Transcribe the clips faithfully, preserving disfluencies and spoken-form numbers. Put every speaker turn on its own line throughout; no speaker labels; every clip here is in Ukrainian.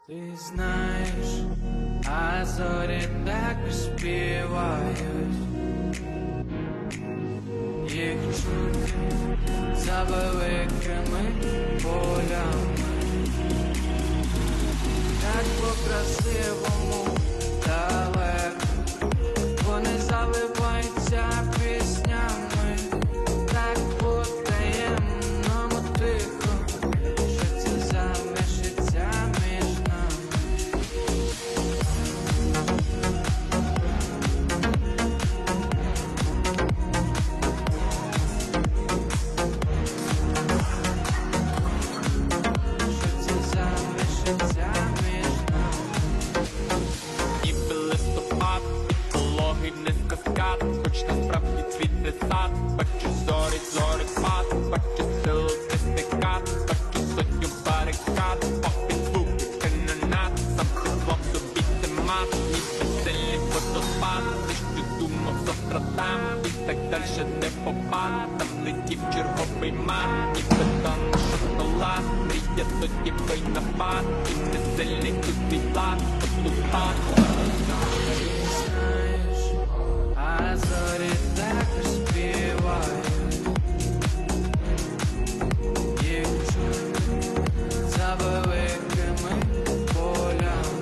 Ти знаєш, а зорі так співають, їх чути за великими полями, так по-красивому далеко, вони заливаються піснями, так по-таємному тихо, що це залишиться між нами. Що це залишиться між нами.
Ніби листопад, пологий низько скат, хоч насправді цвіте сад, бачу зорі, зорі пад, бачу силу стикат, бачу сотню барикад, попід звуки канонат, сам теплом собі це мат, ніби сильний водопад, ти що думав завтра там, і так дальше не попад, там летів черговий мат, ніби тонна шоколад, мрія тоді бий напад, і не сильний тут твій план, поступад.
Знаєш, а зорі так співають, їх чути за великими полями,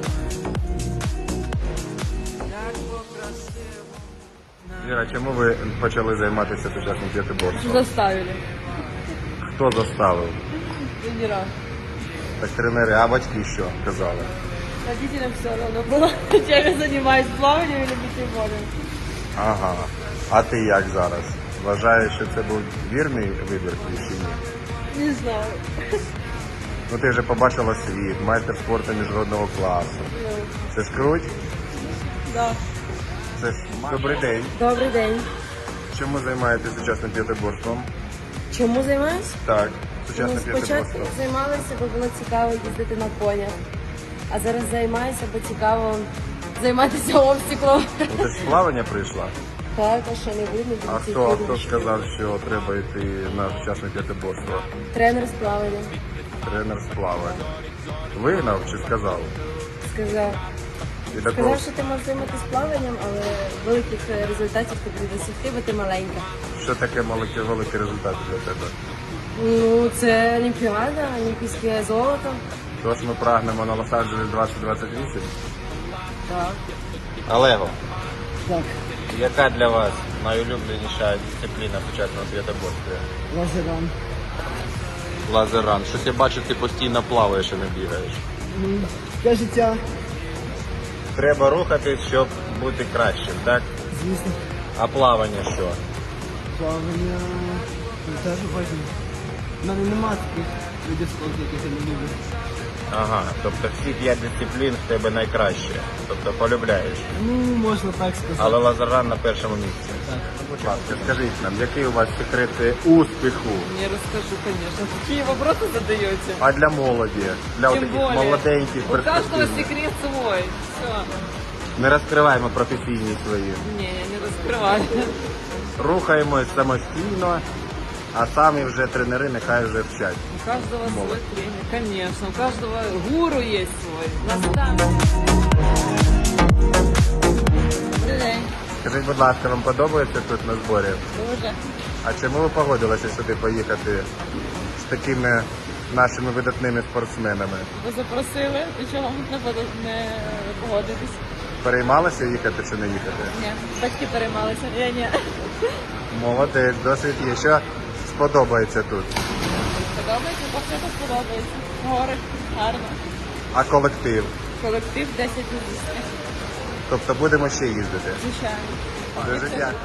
так по-красивому.
Віра, чому ви почали займатися сучасним п'ятиборством?
Заставили.
Хто заставив?
Тренера.
Так тренери, а батьки що казали?
Родителям все равно было, чем я занимаюсь плаванием или битейболем.
Ага. А ти як зараз? Вважаєш, що це був вірний вибір твій чи ні?
Не знаю.
Ну ти вже побачила світ, майстер спорту міжнародного класу. Це ж круть?
Да.
Це ж добрий день.
Добрий день.
Чому займаєтесь сучасним п'ятиборством?
Чому займаюсь?
Так,
Ну,
сучасним
спочатку
п'ятиборством.
займалася, бо було цікаво їздити на конях. А зараз займаюся, бо цікаво займатися обстіклом.
Ну ти ж з плавання прийшла?
Так, а що не видно,
А
буде
хто, а хто сказав, що треба йти на сучасне п'ятиборство?
Тренер з плавання
Тренер з плавання. Вигнав чи сказав?
сказав.
І такого
Сказав, що ти можеш займатися плаванням, але великих е, результатів тобі не досягти, бо ти маленька.
що таке великий, великий результат для тебе?
Ну, це Олімпіада, олімпійське золото.
Тож ми прагнемо на Лос-Анджелес двадцять двадцять вісім.
Так.
Олего,
Так.
яка для вас найулюбленіша дисципліна в сучасному п'ятиборстві?
Лазеран.
Лазеран. Щось я бачу, ти постійно плаваєш і не бігаєш.
Для життя.
Треба рухатись, щоб бути кращим, так?
Звісно.
А плавання що?
Плавання теж важливо. У мене немає таких видів спорту, яких я не люблю.
Ага, тобто всі п'ять дисциплін в тебе найкраще. Тобто полюбляєш.
Ну, можна так сказати.
Але лазеран на першому місці.
Так.
Будь ласка, скажіть нам, який у вас секрети успіху?
Не расскажу, конечно. Какие вопросы задаете?
А для молоді, для
Тем
таких
более,
молоденьких,
у каждого
перспективних?
секрет свой. Все.
Не розкриваємо професійні свої.
Не, я не раскрываю.
Рухаємось самостійно, а самі вже тренери нехай вже вчать.
У каждого
Молодец.
свой тренер, конечно. У каждого гуру есть свой. Наставник.
Добрий день.
Скажіть, будь ласка, вам подобається тут на зборі?
Дуже.
А чому ви погодилися сюди поїхати з такими нашими видатними спортсменами?
Ви запросили, і чого не, не погодитись?
Переймалися їхати чи не їхати?
Ні. Батьки переймалися. Я ні.
Молодець, досвід є. Що сподобається тут?
Подобається, бо все тут подобається. Гори, гарно.
А колектив?
Колектив десять із десяти.
Тобто будемо ще їздити?
Звичайно.
Дуже дякую.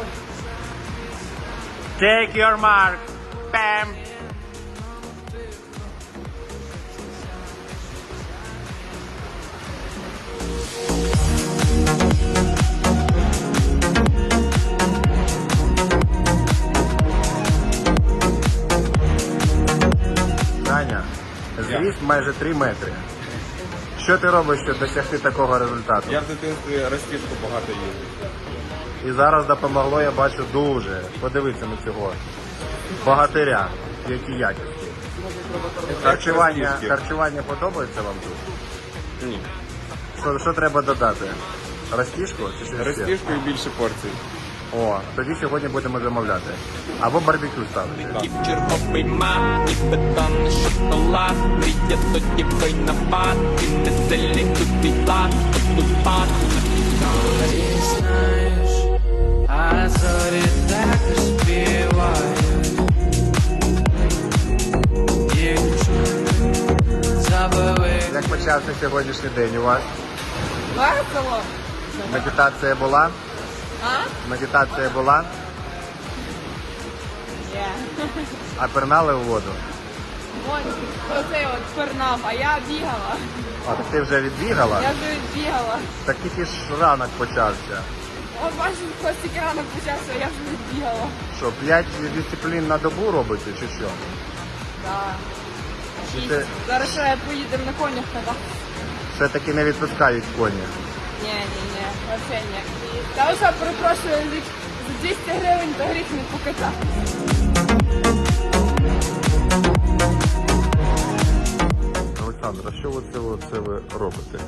Take your mark. Bam. Даня, зріст майже три метри. Що ти робиш, щоб досягти такого результату?
Я в дитинстві розтяжку багато їздив.
І зараз допомогло, я бачу, дуже. Подивіться на цього богатиря, які якісні. Харчування,
розтяжки.
харчування подобається вам тут?
Ні.
Що, що треба додати? Розтіжку чи щось ще?
Розтіжку і більше порцій.
О, тоді сьогодні будемо замовляти. Або барбекю ставити.
І черговий мат, і бетонний шоколад, мрія тоді винопад, і не сильний тут твій план, тут пад.
Ти знаєш, а зорі так співають. Дівчина, забили.
Як почався сьогоднішній день у вас?
Весело.
Медитація була?
А?
Медитація була?
Ні.
А пернали у воду?
От, оцей от пернав, а я бігала.
А, так ти вже відбігала?
Я вже відбігала.
Так тільки ж ранок почався.
От бачиш, хтось тільки ранок почався, а я вже відбігала.
Що, п'ять дисциплін на добу робите чи що?
Так.
Чи це
Зараз ще поїдемо на конях кататися.
все-таки не відпускають коні?
Ні, ні, ні, взагалі ні. Та ось я перепрошую, за двісті гривень то гріх не покатати.
Олександр, а що ви це, це ви робите?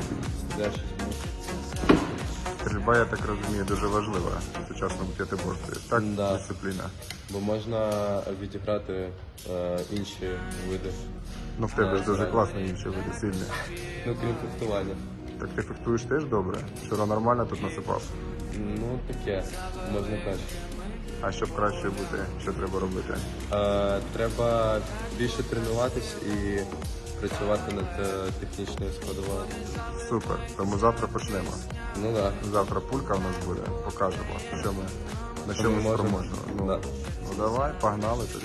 Стрільба, я так розумію, дуже важлива в сучасному п'ятиборстві. Так,
Да.
дисципліна.
Бо можна відіграти е, інші види.
Ну в тебе ж дуже класно інші види сильні.
Ну, крім фехтування.
Так ти фехтуєш теж добре? Вчора нормально тут насипав.
Ну, таке, можна краще.
А щоб краще бути, що треба робити?
Е, треба більше тренуватись і працювати над е, технічною складовою.
Супер. Тому завтра почнемо.
Ну так.
Завтра пулька в нас буде, покажемо, що ми, на що
Ми
ми
можемо.
спроможні. Ну,
Да.
ну давай, погнали тоді.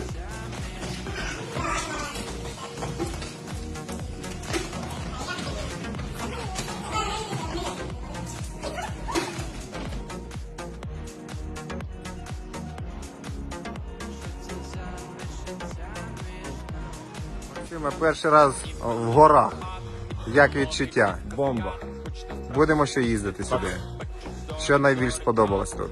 Максиме, перший раз в горах. Як відчуття?
Бомба.
Будемо ще їздити сюди. Що найбільш сподобалось тут?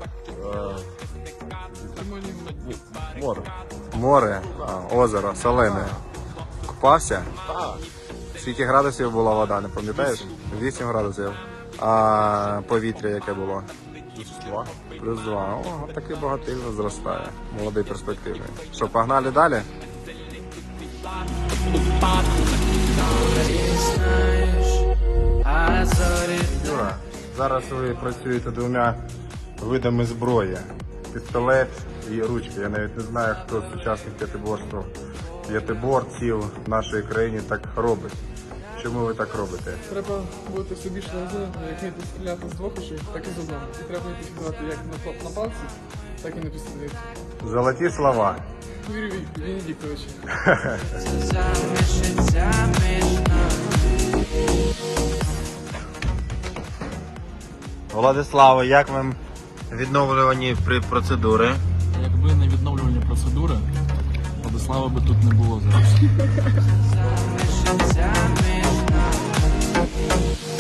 Море.
Море, а, озеро, солене. Купався? Скільки градусів була вода, не пам'ятаєш? Вісім градусів. А повітря яке було?
Два.
Плюс два. О, такий багатильно зростає. Молодий перспективний. Що, погнали далі?
Ти знаєш, а зорі
Юра, зараз ви працюєте двома видами зброї. Пістолет і ручки. Я навіть не знаю, хто з сучасних п'ятиборств, п'ятиборців в нашій країні так робить. Чому ви так робите?
Треба бути все більше розумним, як вміти стріляти з двох очей, так і з одного. І треба вміти стріляти як на, на палці, так і на пістолеті.
Золоті слова.
Юрій Венедіктович.
замішаться між нами.
Владиславе, як вам відновлювані процедури?
Якби не відновлювальні процедури, Владислава би тут не було зараз.
Замішаться між нами.